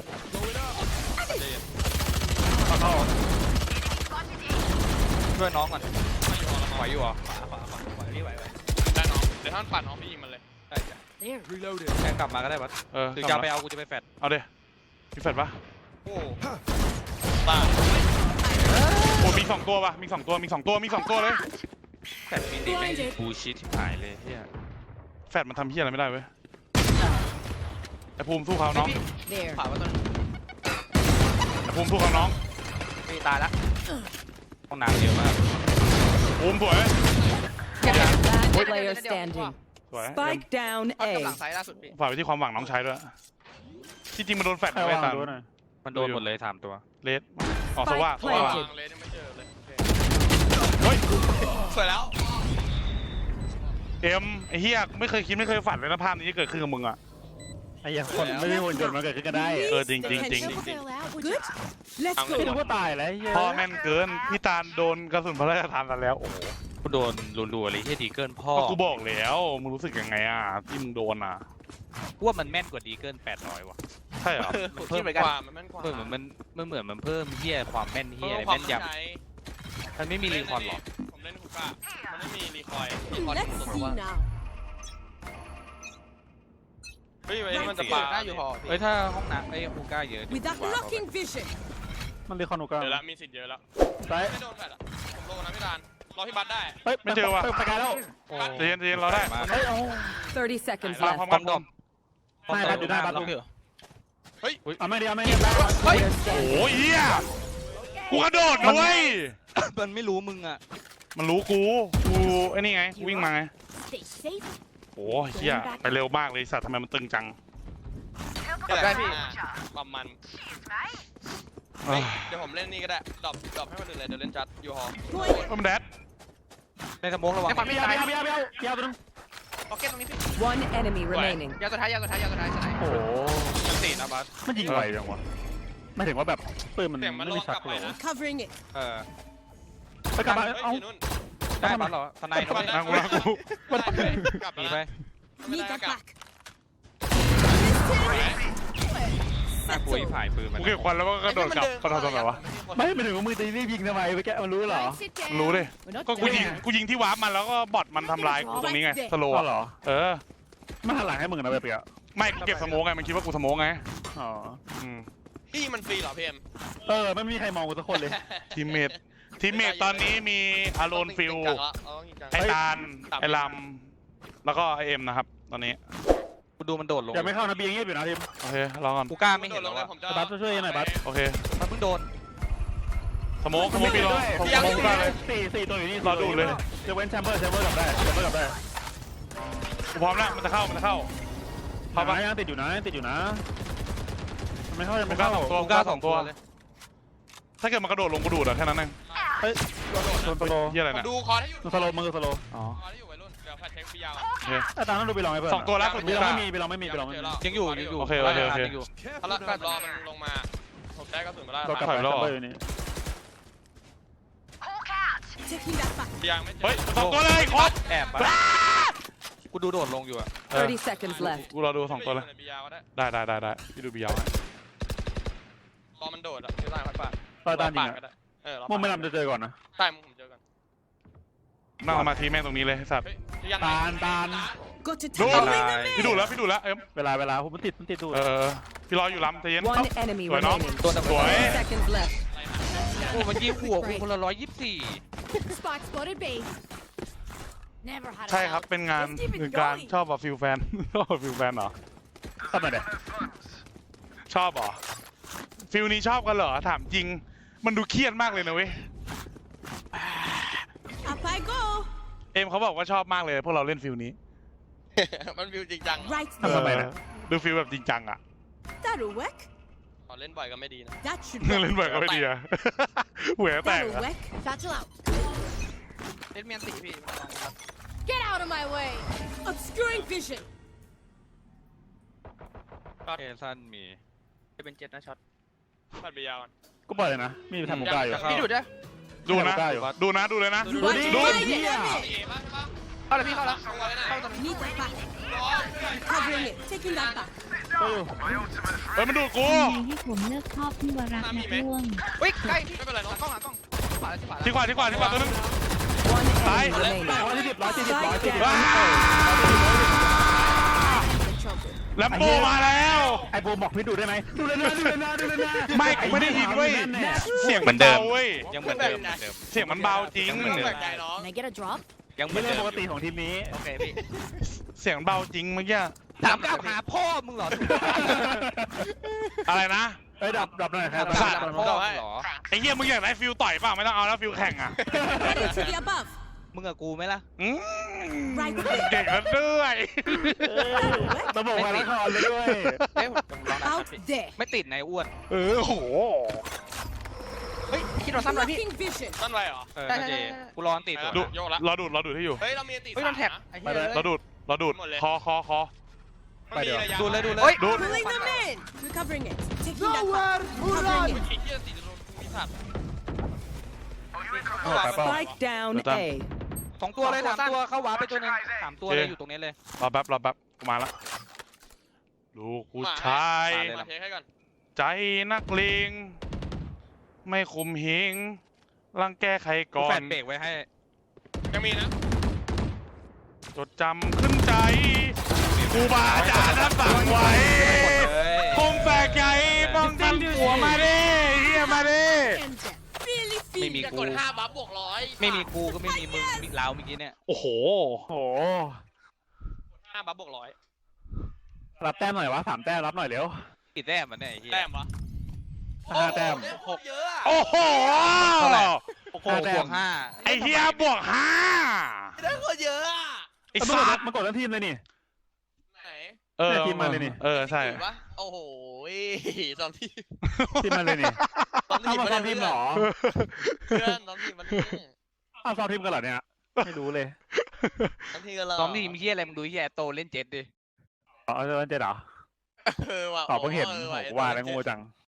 [SPEAKER 9] ช่วยน้องก่อนไหวอยู่เหรอ
[SPEAKER 1] ได้น้องเดี๋ยวท่านปั่นน้องพี่ยิงมันเลย
[SPEAKER 6] there
[SPEAKER 9] แค่กลับมาก็ได้บัสหรือจะไปเอากูจะไปแฟด
[SPEAKER 2] เอาเด้มีแฟดปะ
[SPEAKER 1] โอ้ตาย
[SPEAKER 2] โอ้มี2ตัวปะมี2ตัวเลย
[SPEAKER 9] แฟดมีดีไม่บูชิดที่หายเลยเฮีย
[SPEAKER 2] แฟดมันทำเหี้ยอะไรไม่ได้เว้ยไอ้ภูมิสู้เขาน้อง
[SPEAKER 5] There.
[SPEAKER 4] ผ่าว่าตัวนึง
[SPEAKER 2] ไอ้ภูมิสู้เขาน้อง
[SPEAKER 4] พี่ตายละ
[SPEAKER 9] ห้องน้ำเยอะมาก
[SPEAKER 2] ภูมิสวย
[SPEAKER 5] Last player standing.
[SPEAKER 2] สวย
[SPEAKER 5] Spike down
[SPEAKER 4] กำลั
[SPEAKER 5] A.
[SPEAKER 4] งซ้ายล่าสุดพี่
[SPEAKER 2] ฝากไปที่ความหวังน้องชายด้วยที่จริงมันโดนแฟด
[SPEAKER 3] ใคร
[SPEAKER 2] ไว้
[SPEAKER 3] วาง
[SPEAKER 2] ตาม
[SPEAKER 3] ดูหน่อย
[SPEAKER 9] มันโดนหมดเลย3ตัว
[SPEAKER 2] เลสอ๋อสว่า
[SPEAKER 5] Spike planted
[SPEAKER 1] วางเลยยังไม่เจอเลย
[SPEAKER 2] เฮ้ย
[SPEAKER 1] สวยแล้ว
[SPEAKER 2] เอ็มไอ้เฮียไม่เคยคิดไม่เคยฝันเลยนะภาพนี้จะเกิดขึ้นกับมึงอ่ะ
[SPEAKER 3] ไอ้ยังคนไม่ได้วนจนมันเกิดขึ้นกันได้
[SPEAKER 2] จริง
[SPEAKER 6] Fail out would you
[SPEAKER 5] Good. Let's
[SPEAKER 3] พี่นึก
[SPEAKER 5] go.
[SPEAKER 3] ว่าตายแล้วเฮ้ย
[SPEAKER 2] พ่อแม่นเกินพี่ตาลโดนกระสุนพระราชทานมาแล้วโอ้โห
[SPEAKER 9] กูโดนรัวๆเลยเฮียดีเกินพ่อ
[SPEAKER 2] ก็กูบอกแล้วมึงรู้สึกยังไงอ่ะที่มึงโดนอ่ะ
[SPEAKER 9] กูว่ามันแม่นกว่าดีเกิน800ว่ะ
[SPEAKER 2] ใช่เหรอ
[SPEAKER 4] ผมคิดเหมือน
[SPEAKER 1] ก
[SPEAKER 4] กัน
[SPEAKER 1] ว่ามันแม่นกว่า
[SPEAKER 9] เพิ่มมันเหมือนมันเพิ่มเฮียความแม่นเฮีย
[SPEAKER 1] ความ
[SPEAKER 9] แม่นย
[SPEAKER 1] เข้าใจ
[SPEAKER 9] ำมันไม่มีรีคอนหรอก
[SPEAKER 1] ผมเล่นฮูก้ามันไม่มีรีคอย
[SPEAKER 5] Let's see now.
[SPEAKER 1] เฮ้ยมันจะปา
[SPEAKER 4] หน้าอยู่หอ
[SPEAKER 9] เอ้ยถ้าห้องน้ำไอ้ฮูก้าเยอะ
[SPEAKER 5] With that blocking vision.
[SPEAKER 3] มันเรียกคอนุก้า
[SPEAKER 1] เดี๋ยวละมีสิทธิ์เยอะแล้ว
[SPEAKER 3] ซ้าย
[SPEAKER 1] ไม่โดนแฟดอ่ะผมโลนะพี่ดานรอพี่บัตได้
[SPEAKER 3] เฮ้ยไปไกลแล้ว
[SPEAKER 2] ใจเย็นเราได้
[SPEAKER 3] เฮ้ยเอา
[SPEAKER 5] 30 seconds
[SPEAKER 2] มา
[SPEAKER 5] left.
[SPEAKER 2] พร้อม
[SPEAKER 9] ป้
[SPEAKER 2] กั
[SPEAKER 9] อน มดอม
[SPEAKER 3] ได้บัตรอยู่ได้บัตร
[SPEAKER 9] ล็อกอยู่
[SPEAKER 3] เอาไม่ดี
[SPEAKER 5] Player
[SPEAKER 2] โอ้
[SPEAKER 5] standing.
[SPEAKER 2] ยเฮียกูกระโดดนะเว้ย
[SPEAKER 9] มันไม่รู้มึงอ่ะ
[SPEAKER 2] มันรู้กูไอ้นี่ไงวิ่งมาไง
[SPEAKER 6] stay safe
[SPEAKER 2] โอ้ยเฮียไปเร็วมากเลยสัตว์ทำไมมันตึงจัง
[SPEAKER 1] ได้พี่ประมาณ
[SPEAKER 2] เอ้ย
[SPEAKER 1] เดี๋ยวผมเล่นนี่ก็ได้ดรอปให้คนอื่นเลยเดี๋ยวเล่นจัดยูฮอ
[SPEAKER 2] มันแดด
[SPEAKER 9] ในสมองระวัง
[SPEAKER 4] ในความไม่ตาย
[SPEAKER 3] ยาวตัวนึง
[SPEAKER 4] พ็อกเก็ตตรงนี้พี่
[SPEAKER 5] One enemy remaining.
[SPEAKER 4] ยาวสุดท้ายสไน
[SPEAKER 3] โอ้โห
[SPEAKER 9] ชั้น4นะบัส
[SPEAKER 3] มันยิงไวจังวะไม่ถึงว่าแบบปืนมัน
[SPEAKER 1] เสียงมัน
[SPEAKER 3] ไม่
[SPEAKER 1] ล
[SPEAKER 3] มี
[SPEAKER 1] อง
[SPEAKER 3] ชั
[SPEAKER 1] ก
[SPEAKER 3] ก
[SPEAKER 1] ลับไป
[SPEAKER 3] เลย
[SPEAKER 1] นะ
[SPEAKER 5] Covering it.
[SPEAKER 3] ไปกลับมา
[SPEAKER 1] เฮ้ย
[SPEAKER 3] เอ้า
[SPEAKER 1] อยู่นู่น
[SPEAKER 9] ได้บัสเหรอทนายเขาไม่
[SPEAKER 2] นั่งกู
[SPEAKER 1] กลับ
[SPEAKER 9] มี
[SPEAKER 1] ไป
[SPEAKER 9] ไป
[SPEAKER 5] Need that back.
[SPEAKER 9] น่ากลัวอีฝ่ายปืนมัน
[SPEAKER 2] กูเก็บควันแล้วก็กระโดดกลับกระโดดตรงไหนวะ
[SPEAKER 3] ไม่ถึงว่ามือตีรีบยิงทำไมไปแกมันรู้เหรอ
[SPEAKER 6] Right, sit down
[SPEAKER 2] รู้ดิ
[SPEAKER 6] We're not
[SPEAKER 2] ก็กูยิง
[SPEAKER 6] done.
[SPEAKER 2] กูยิงที่วาร์ปมันแล้วก็บอทมันทำลายกูตรงนี้ไงสโล
[SPEAKER 3] อ๋อ
[SPEAKER 2] ว์
[SPEAKER 3] เหรอ
[SPEAKER 2] เออ
[SPEAKER 3] ไม่หันหลังให้มึงนะไปเปีย
[SPEAKER 2] ไม่กูเก็บสโมกไงมันคิดว่ากูสโมกไง
[SPEAKER 3] อ๋อ
[SPEAKER 2] อืม
[SPEAKER 1] พี่มันฟรีเหรอพี่เอ็ม
[SPEAKER 3] ไม่มีใครมองกูสักคนเลย
[SPEAKER 2] ทีมเมทตอนนี้มีอารอนฟิลไอตาลไอลำแล้วก็ไอเอ็มนะครับตอนนี้
[SPEAKER 9] กูดูมันโดดลง
[SPEAKER 3] อย่าไม่เข้านะเบียงเงียบอยู่นะทีม
[SPEAKER 2] โอเครอก่อน
[SPEAKER 9] กูกล้าไม่เห็นแล้วอะ
[SPEAKER 3] บัสช่วยหน่อยบัส
[SPEAKER 2] โอเค
[SPEAKER 9] มันเพิ่งโดน
[SPEAKER 2] สโมกพี่รอสโมกได้เลย
[SPEAKER 3] สี่ตัวอยู่นี่
[SPEAKER 2] รอดูเลย
[SPEAKER 3] จะเว้นแชมเบอร์กลับได้กู
[SPEAKER 2] พร้อมแล้วมันจะเข้าเข้า
[SPEAKER 3] พามายังติดอยู่นะไม่เข้ายัง
[SPEAKER 2] กู
[SPEAKER 3] ไม่
[SPEAKER 2] กล้า
[SPEAKER 3] เข้า
[SPEAKER 2] 2 ตัว
[SPEAKER 9] กูกล้า2 ตัวเลย
[SPEAKER 2] ถ้าเกิดมันกระโดดลงกูดูดอะแค่นั้นเอง
[SPEAKER 3] โดนสโล
[SPEAKER 2] เฮียอะไร
[SPEAKER 1] ผม
[SPEAKER 2] เนี่ย
[SPEAKER 1] ดูคอให้อยู่
[SPEAKER 3] สโลมือสโล
[SPEAKER 2] อ๋อ
[SPEAKER 1] คอให้อยู่วัยรุ่นเดี๋ยวแฟดเช็คพี่ยาว
[SPEAKER 2] โอเค
[SPEAKER 3] ตามนั้นดูไปลองให้เพื่อน
[SPEAKER 2] 2 ตัวล่าสุด
[SPEAKER 3] ไป
[SPEAKER 2] กู
[SPEAKER 3] ล
[SPEAKER 2] ก
[SPEAKER 3] อง
[SPEAKER 2] ล้า
[SPEAKER 3] ไม่มีไปลองไม่มี
[SPEAKER 9] ยังอยู่
[SPEAKER 2] โอเค
[SPEAKER 9] ยังอยู่
[SPEAKER 1] เอาละแบบรอมันลงมาผมได้กระสุนมาแล้ว
[SPEAKER 3] เรากลับไปแชมเบอร์อยู่นี่
[SPEAKER 5] Taking that back.
[SPEAKER 1] ยังไม่เจอ
[SPEAKER 2] เฮ้ย2 ตัวเลยครบ
[SPEAKER 9] แอบมากูดูโดดลงอยู่อะ
[SPEAKER 5] 30 seconds left.
[SPEAKER 2] กูรอดู2ตัวเลย
[SPEAKER 1] ในบียาวก็ได้
[SPEAKER 2] ได้พี่ดูบียาวให้
[SPEAKER 1] พอมันโดดอ่ะที่ล่างค่อยปาด
[SPEAKER 3] ตาตานยิง
[SPEAKER 1] ก็
[SPEAKER 3] อะ
[SPEAKER 1] ได้เรา
[SPEAKER 3] มุมไม่นำจะเจอก่อนนะ
[SPEAKER 1] ใต้มุมผมเจอกัน
[SPEAKER 2] นั่งสมาธิแม่งตรงนี้เลยไอ้สัตว์
[SPEAKER 1] เฮ้ยยัง
[SPEAKER 3] ตาล
[SPEAKER 5] Got to
[SPEAKER 2] ดู
[SPEAKER 5] take
[SPEAKER 2] พี่ดูแล้วเอ็ม
[SPEAKER 3] เวลาผมมันติดดู
[SPEAKER 2] พี่รออยู่ลำใจเย็น
[SPEAKER 5] one enemy
[SPEAKER 2] สวยน้อง
[SPEAKER 5] remaining.
[SPEAKER 2] สวย
[SPEAKER 5] 30 seconds left.
[SPEAKER 9] โอ้มันยิงหัวกูคนละ124
[SPEAKER 5] Spot spotted B. Never had
[SPEAKER 2] ใช่ครับเป็นงานการชอบแบบฟิลแฟน ชอบฟิลแฟนเหรอ
[SPEAKER 3] ทำไมเนี่ย
[SPEAKER 2] ชอบเหรอฟิลนี้ชอบกันเหรอถามจริง มันดูเครียดมากเลยนะเว้ย
[SPEAKER 5] Up I go.
[SPEAKER 2] เอ็มเขาบอกว่าชอบมากเลยพวกเราเล่นฟิลนี้
[SPEAKER 1] มันวิวจริงจัง
[SPEAKER 5] Right
[SPEAKER 3] ทำไมเนี่ย
[SPEAKER 2] ดูฟิลแบบจริงจังอ่ะ
[SPEAKER 5] That'll work.
[SPEAKER 1] พอเล่นบ่อยก็ไม่ดีนะ
[SPEAKER 5] That should
[SPEAKER 2] เล่นแบบก็ไม่ดีอะหัวแตก
[SPEAKER 5] That'll
[SPEAKER 2] อะ
[SPEAKER 5] work. Satchel out.
[SPEAKER 4] เล่นเมียนตีพี่
[SPEAKER 5] Get out of my way. Obscuring vision.
[SPEAKER 9] เอซันมี
[SPEAKER 4] จะเป็น7นะช็อต
[SPEAKER 1] ปัดบียาวก่อน
[SPEAKER 3] ก็ปล่อยเลยนะมีทำหมูกล้าอยู่
[SPEAKER 4] พี่ดูดได้
[SPEAKER 2] ดูนะดูเลยนะ
[SPEAKER 5] You want to
[SPEAKER 2] ดู
[SPEAKER 5] fight it?
[SPEAKER 1] เอป่ะใช่ปะ
[SPEAKER 4] เข้าเลยพี่เข้าแล้ว
[SPEAKER 1] เข้าตรงไหน
[SPEAKER 5] Need that back. Covering it. Taking that back.
[SPEAKER 2] เฮ้ยมันดูดกู
[SPEAKER 6] ทำไงให้ผมเลิกชอบพี่วรักษ์นะร่วง
[SPEAKER 4] วิ่งใกล้
[SPEAKER 1] ไม่เป็นไร
[SPEAKER 4] ห
[SPEAKER 1] น้อง
[SPEAKER 4] ลังกล้องหลังกล้องขวาแล้ว
[SPEAKER 2] ที่ขวาตัวนึง
[SPEAKER 5] One
[SPEAKER 2] Bye.
[SPEAKER 5] enemy remaining.
[SPEAKER 3] 140
[SPEAKER 2] ว้าแลมโบมาแล้ว
[SPEAKER 3] ไอ้โบบอกพี่ดูได้ไหมดูเลยนะ
[SPEAKER 2] ไม่กูไม่ได้ยินเว้ย เสียง
[SPEAKER 9] เหมือนเดิม
[SPEAKER 2] บาเว้ย
[SPEAKER 9] ยังเหมือนเดิม
[SPEAKER 2] เสียงมันเบาจริง
[SPEAKER 1] ไม่ต้องแปลกใจน้อง
[SPEAKER 5] Can I get a drop?
[SPEAKER 9] ยังเหมื
[SPEAKER 3] ไม่
[SPEAKER 9] อน
[SPEAKER 3] เรื่
[SPEAKER 9] เดิ
[SPEAKER 3] อง
[SPEAKER 9] ม
[SPEAKER 3] ปกติของทีมนี้
[SPEAKER 4] โอเคพี่
[SPEAKER 2] เสียงเบาจริงเมื่อกี้
[SPEAKER 9] ถามกลับหาพ่อมึงเหรอ
[SPEAKER 2] อะไรนะ
[SPEAKER 3] เอ้ยดับหน่อยครับ
[SPEAKER 9] ถามพ่อมึงเหรอ
[SPEAKER 2] ไอ้เหี้ยมึงอยากได้ฟิลต่อยเปล่าไม่ต้องเอาแล้วฟิลแข่งอ่ะ
[SPEAKER 5] Ready to the above.
[SPEAKER 9] มึงกับกูไหมล่ะ
[SPEAKER 2] อืม
[SPEAKER 5] Right there.
[SPEAKER 2] เก่งแล้วด้วย
[SPEAKER 3] ระบบไวรัสคอนเลยด้วย
[SPEAKER 4] เฮ้ยผมลองนะ
[SPEAKER 5] Out there.
[SPEAKER 9] ไม่ติดในอ้วน
[SPEAKER 2] โห
[SPEAKER 4] เฮ้ยคิดเราซ้ำเลยพี่
[SPEAKER 5] Blocking vision.
[SPEAKER 1] ต้นไรเหรอ
[SPEAKER 9] น่าจะกูรอติด
[SPEAKER 2] ดู
[SPEAKER 1] โยกละ
[SPEAKER 2] รอดูดให้อยู่
[SPEAKER 1] เฮ้ยเรามีตี
[SPEAKER 4] เฮ้ยโดนแท็บไอ้เหี้ย
[SPEAKER 2] รอดูดคอ
[SPEAKER 9] ดูเลย
[SPEAKER 4] เฮ้ย
[SPEAKER 2] ดูด
[SPEAKER 5] Pulling them in. Recovering it. Taking that back. Covering it.
[SPEAKER 1] ไอ้เหี้ยสีจะโดนมีสัตว์
[SPEAKER 5] Spike down A.
[SPEAKER 9] 2 ตัวเลย3 ตัวเข้าวาร์ปไปตัวนึง3 ตัวเลยอยู่ตรงนี้เลย
[SPEAKER 2] รอแป๊บกูมาละลูกผู้ชาย
[SPEAKER 1] มาเช็คให้ก่อน
[SPEAKER 2] ใจนักเลงไม่คุมหิงรังแกใคร
[SPEAKER 9] กู
[SPEAKER 2] ก่อ
[SPEAKER 9] แฟ
[SPEAKER 2] น
[SPEAKER 9] นเบรกไว้ให้
[SPEAKER 1] ยังมีนะ
[SPEAKER 2] จดจำขึ้นใจครูบาอาจารย์ท่านสั่งไว้คมแฝกใหญ่ป้องกันหัวมาดิเฮียมาดิ
[SPEAKER 5] And that. Really
[SPEAKER 9] ไม่
[SPEAKER 5] feel
[SPEAKER 9] มี
[SPEAKER 1] จะ
[SPEAKER 9] กู
[SPEAKER 1] กด5บัฟบวก100
[SPEAKER 9] ไม่มีกูก็ไม่มีมึงมีเราเมื่อกี้เนี่ย
[SPEAKER 2] โอ้โห
[SPEAKER 3] โอ้
[SPEAKER 1] 5บัฟบวก100
[SPEAKER 3] รับแต้มหน่อยวะ3 แต้มรับหน่อยเร็ว
[SPEAKER 9] กี่แต้มมันเนี่ยไอ้เหี้ย
[SPEAKER 1] แต้มวะ
[SPEAKER 3] 5 แต้ม
[SPEAKER 1] เยอะอะ
[SPEAKER 2] โอ้โห
[SPEAKER 9] เท่าไหร่
[SPEAKER 3] โอ้โห
[SPEAKER 9] บวก
[SPEAKER 2] ไอเฮียบวกห้า
[SPEAKER 1] ได้โคตรเยอะอะ
[SPEAKER 2] ไอสัตว์
[SPEAKER 3] มันกดทั้งทีมเลยนี่
[SPEAKER 1] ไหน
[SPEAKER 3] ทีมมาเลยนี่
[SPEAKER 2] ใช่
[SPEAKER 1] ถูกปะโอ้โหสองทีม
[SPEAKER 3] ทีมมาเลยนี่
[SPEAKER 1] สองที
[SPEAKER 3] อ้าว
[SPEAKER 1] ม
[SPEAKER 3] มาซ้อมทีมเหรอ
[SPEAKER 1] เพื่อนสองทีมมันนี่
[SPEAKER 3] อ้าวซ้อมทีมกันเหรอเนี่ยไม่รู้เลย
[SPEAKER 1] สองทีมกันเลย
[SPEAKER 9] ซ้อมทีมเหี้ยอะไรมึงดูเหี้ยโตเล่นเจ็ดดิ
[SPEAKER 3] อ๋อเจอเจ็ดเหรอ
[SPEAKER 1] ว่ะ
[SPEAKER 3] อ๋อเพิ่งเห็น
[SPEAKER 1] ออ
[SPEAKER 3] โห
[SPEAKER 1] ว่ะ
[SPEAKER 3] ว่าแล้วโง่จัง